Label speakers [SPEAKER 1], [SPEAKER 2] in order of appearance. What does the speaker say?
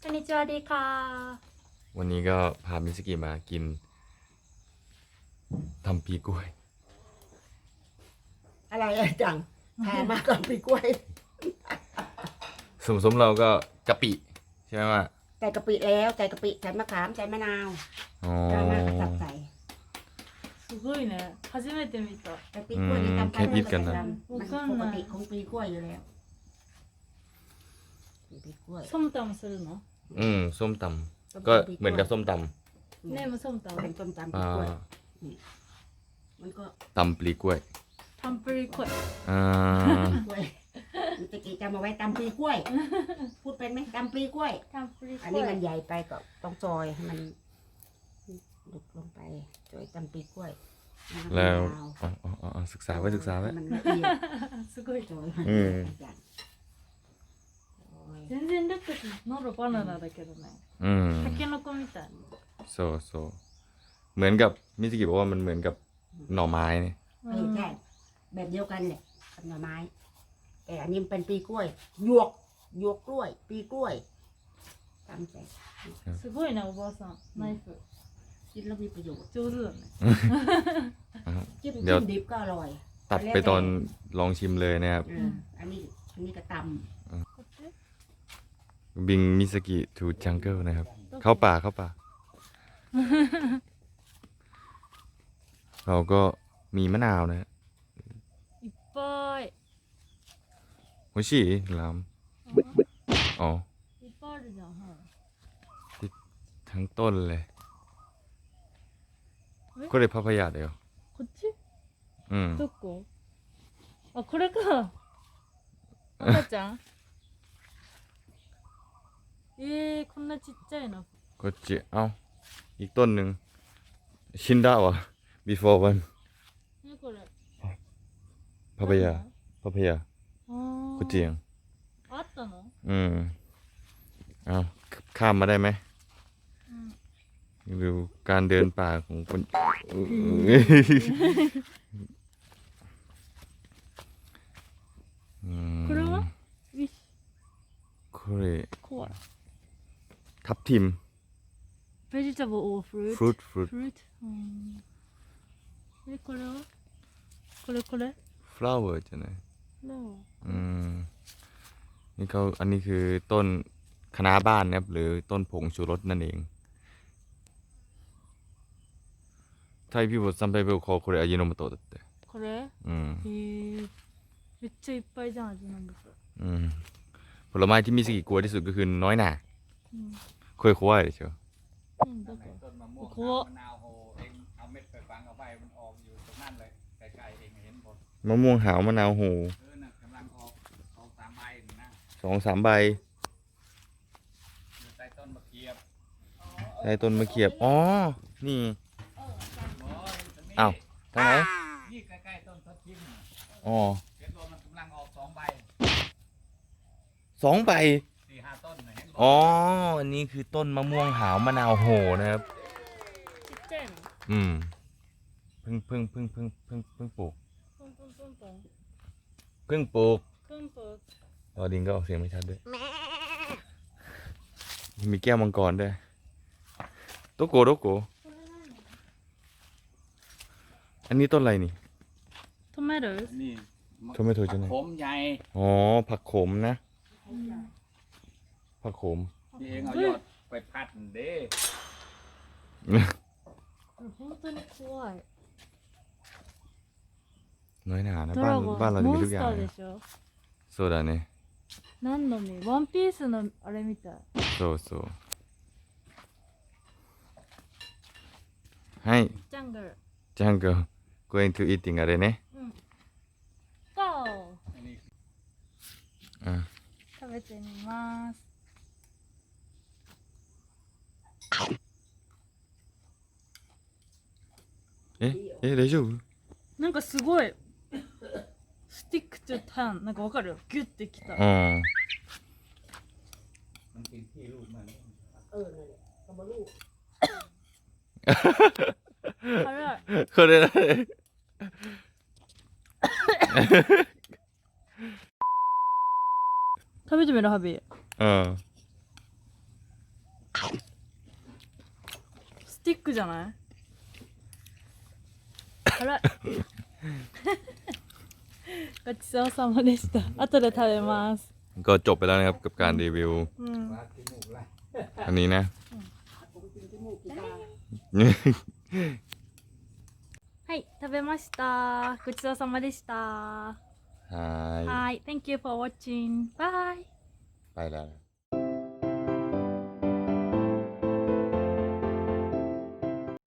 [SPEAKER 1] こんにちはดีค่ะ
[SPEAKER 2] วันนี้ก็พามิสกิมากินทำปีกล้วย
[SPEAKER 3] อะไรจังแพงมากกับปีกล้วย
[SPEAKER 2] สมเราก็กะปิใช่ไหมว่า
[SPEAKER 3] ใส่กะปิแล้วใส่กะปิใส่มะขามใส่มะนาว
[SPEAKER 2] อ๋อ
[SPEAKER 3] แล้วมากระสับใส่
[SPEAKER 1] すごいね初めて見た
[SPEAKER 3] แต่ปีกล้วยนี่ตำไป
[SPEAKER 2] แค่อิดกันนะ
[SPEAKER 3] มันปกติของปีกล้วยอยู่แล้วปีกล้วย
[SPEAKER 1] ส้มตำするの
[SPEAKER 2] ส้มตำก็เหมือนกับส้มต
[SPEAKER 1] ねもส้มต
[SPEAKER 3] เป็นต้มตำ
[SPEAKER 2] ำ
[SPEAKER 3] ปีกล้วยนี่มันก็
[SPEAKER 2] ตำปลีกล้วย
[SPEAKER 1] ำทำปรีกล้วย
[SPEAKER 2] อ่า
[SPEAKER 3] ปีกล้วยมันตะกี้จำเอาไว้ตำปีกล้วย พูดเป็นไหมตำปีกล้วย
[SPEAKER 1] ทำปรีก
[SPEAKER 3] อัน
[SPEAKER 1] ล้
[SPEAKER 3] นี้
[SPEAKER 1] วย
[SPEAKER 3] มันใหญ่ไปก็ต้องซอยให้มันลุกลงไปซอยตำปีกล้วย
[SPEAKER 2] แล้ว
[SPEAKER 3] มะนาว
[SPEAKER 2] ศึกษาไว้
[SPEAKER 3] มันละเอียด
[SPEAKER 1] すごい
[SPEAKER 3] ซอย
[SPEAKER 2] อืม
[SPEAKER 1] 全然だって喉バナナだけどねタケノコみたい
[SPEAKER 2] โซเหมือนกับมิสกิบอกว่ามันเหมือนกับหน่อไม้เนี่ย
[SPEAKER 3] ใช่แบบเดียวกันเนี่ยกับหน่อไม้ แต่อันนี้มันเป็นปีกล้วยหยวกกล้วย ปีกล้วยตำใส่
[SPEAKER 1] すごいねおばあさんナイフ
[SPEAKER 3] กินแล้วมีประโยชน์
[SPEAKER 1] 上手だね
[SPEAKER 3] จิ้ม
[SPEAKER 2] เดี๋ยว
[SPEAKER 3] ดิบก็อร่อย
[SPEAKER 2] ตัดไปตอนลองชิมเลยนะครับ
[SPEAKER 3] อันนี้ก็ต
[SPEAKER 1] こっち
[SPEAKER 2] บิงมิสกิทูจังเกิลนะครับ เข้าป่าเราก็มีมะนาวนะฮะ
[SPEAKER 1] いっぱい
[SPEAKER 2] โฮชิลามอ๋อ
[SPEAKER 1] いっぱいあるじゃんはい
[SPEAKER 2] ทั้งต้นเลยこれパパイヤだよ
[SPEAKER 1] こっち
[SPEAKER 2] うん
[SPEAKER 1] どこあこれか赤ちゃんこんなちっちゃいの
[SPEAKER 2] こっちเอ้าอีกต้นหนึ่งชินดาวะ before one
[SPEAKER 1] ねこれ
[SPEAKER 2] パパイヤ
[SPEAKER 1] あー
[SPEAKER 2] こっちยัง
[SPEAKER 1] あったの
[SPEAKER 2] เอาข้ามมาได้ไหม
[SPEAKER 1] うん
[SPEAKER 2] ดูการเดินป่าของคน
[SPEAKER 1] これはウィッシ
[SPEAKER 2] これ
[SPEAKER 1] ュコアラ
[SPEAKER 2] ทับทิม
[SPEAKER 1] vegetable or fruit
[SPEAKER 2] fruit
[SPEAKER 1] fruit これはこれ
[SPEAKER 2] flower じゃない
[SPEAKER 1] no
[SPEAKER 2] นี่เขาอันนี้คือต้นคะน้าบ้านนะครับหรือต้นผงชูรสนั่นเองไทยพี่บอกซัมไปเบลคอこれ味の素だって
[SPEAKER 1] これめっちゃいっぱいじゃん味の素
[SPEAKER 2] ผลไม้ที่มิสกิกลัวที่สุดก็คือน้อยหน่าเคยควายเลยเชียว
[SPEAKER 1] だから
[SPEAKER 4] ต้นมะม่วง
[SPEAKER 1] ここ
[SPEAKER 4] มะนาวโหเองเอาเม็ดไปฝังเอาใบมันออกอยู่ตรงนั้นเลยใกล้ๆเองเห็นหมด
[SPEAKER 2] มะม่วงหาวมะนาวโห
[SPEAKER 4] น่ะกำลังออกสามใบนี่นะ
[SPEAKER 2] 2-3 ใบ
[SPEAKER 4] อยู่ใต้ต้นมะเขียบ
[SPEAKER 2] ใต้ต้นมะเขียบอ๋อนี่
[SPEAKER 4] โอ้ยตรงนี้
[SPEAKER 2] อ้าวทางไหน
[SPEAKER 4] นี่ใกล้ๆต้นทับทิม
[SPEAKER 2] อ๋อ
[SPEAKER 4] เห็นว่ามันกำลังออก2 ใบ
[SPEAKER 2] 2 ใบ
[SPEAKER 4] 4-5 ต้นน่ะเห็นบ่
[SPEAKER 2] อ๋ออันนี้คือต้นมะม่วงหาวมะนาวโหนะครับ
[SPEAKER 1] ちっちゃいの
[SPEAKER 2] เพิ่งปลูก
[SPEAKER 1] ポンポンポンポン
[SPEAKER 2] เพิ่งปลูก
[SPEAKER 1] ポンポン
[SPEAKER 2] ออดิงก็ออกเสียงไม่ชัดด้วยมีแก้วมังกรด้วยโตโกอันนี้ต้นอะไรนี่
[SPEAKER 1] トマト
[SPEAKER 4] นี่
[SPEAKER 2] โทไม่โทใช่ไหม
[SPEAKER 4] ขมใหญ่
[SPEAKER 2] อ๋อผักขมนะผักขม
[SPEAKER 4] ที่เองเอายอดไปพัดเด้
[SPEAKER 1] 本当に怖い
[SPEAKER 2] น้อยหนานะ
[SPEAKER 1] ド
[SPEAKER 2] บ้าน
[SPEAKER 1] ラゴン
[SPEAKER 2] บ้านเราจะ
[SPEAKER 1] モ
[SPEAKER 2] มี
[SPEAKER 1] ン
[SPEAKER 2] ทุก
[SPEAKER 1] ス
[SPEAKER 2] อย่า
[SPEAKER 1] タ
[SPEAKER 2] ง
[SPEAKER 1] ーで
[SPEAKER 2] นะ
[SPEAKER 1] しょ
[SPEAKER 2] โซดาเนี่ย
[SPEAKER 1] 何の実ワンピースのあれみたい
[SPEAKER 2] โซให้
[SPEAKER 1] ジャングル
[SPEAKER 2] จังเกิล going to eating อะไรเนี่ย
[SPEAKER 1] ゴー
[SPEAKER 4] อันนี้
[SPEAKER 2] อ่า
[SPEAKER 1] 食べてみます
[SPEAKER 2] 大丈夫
[SPEAKER 1] なんかすごいスティックとタンなんかわかるギュッてきた
[SPEAKER 2] อ๋อ
[SPEAKER 4] มันเป็นที่ลูกมัน
[SPEAKER 3] นั่นแหละก็มาลูก
[SPEAKER 1] 辛い
[SPEAKER 2] これ誰
[SPEAKER 1] 食べてみるハビ
[SPEAKER 2] うん
[SPEAKER 1] ティックじゃないあらごちそうさまでした後で食べます
[SPEAKER 2] ก็จบไปแล้วนะครับกับการรีวิว
[SPEAKER 1] うん
[SPEAKER 4] มาที่หมูละ
[SPEAKER 2] อันนี้นะ
[SPEAKER 1] はい食べましたごちそうさまでした
[SPEAKER 2] はい
[SPEAKER 1] はい thank you for watching bye
[SPEAKER 2] ไปแล้ว